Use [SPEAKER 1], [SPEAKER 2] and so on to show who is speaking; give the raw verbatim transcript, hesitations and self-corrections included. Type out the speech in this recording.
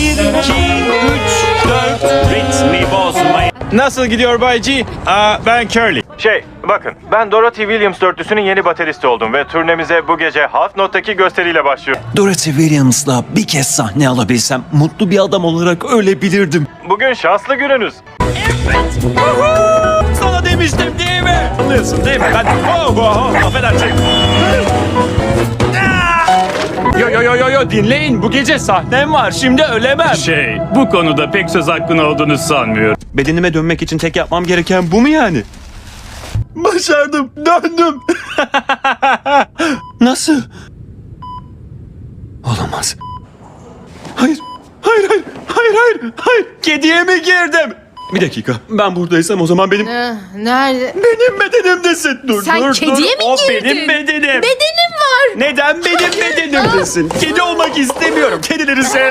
[SPEAKER 1] Bir, iki, üç, dört. Ritmi bozmayın. Nasıl gidiyor Bay G? Aa, ben Curly.
[SPEAKER 2] Şey, bakın ben Dorothy Williams dörtlüsünün yeni bateristi oldum ve turnemize bu gece Half Note'daki gösteriyle başlıyor.
[SPEAKER 3] Dorothy Williams'la bir kez sahne alabilsem mutlu bir adam olarak ölebilirdim.
[SPEAKER 2] Bugün şanslı gününüz.
[SPEAKER 1] Sana demiştim değil mi? Anlıyorsun değil mi? Ben... Oh, oh, oh, affedersin. Yo yo yo yo yo dinleyin. Bu gece sahnem var. Şimdi ölemem.
[SPEAKER 4] Şey, bu konuda pek söz hakkın olduğunu sanmıyorum.
[SPEAKER 3] Bedenime dönmek için tek yapmam gereken bu mu yani? Başardım, döndüm. Nasıl? Olamaz. Hayır, hayır, hayır, hayır, hayır, hayır. Kediye mi girdim? Bir dakika, ben buradaysam o zaman benim...
[SPEAKER 5] Ah, nerede?
[SPEAKER 3] Benim bedenimdesin. Dur,
[SPEAKER 5] Sen
[SPEAKER 3] dur,
[SPEAKER 5] kediye
[SPEAKER 3] dur.
[SPEAKER 5] mi
[SPEAKER 3] O
[SPEAKER 5] girdin?
[SPEAKER 3] benim bedenim.
[SPEAKER 5] Bedenim var.
[SPEAKER 3] Neden benim bedenimdesin? Kedi olmak istemiyorum. Kedileri sev.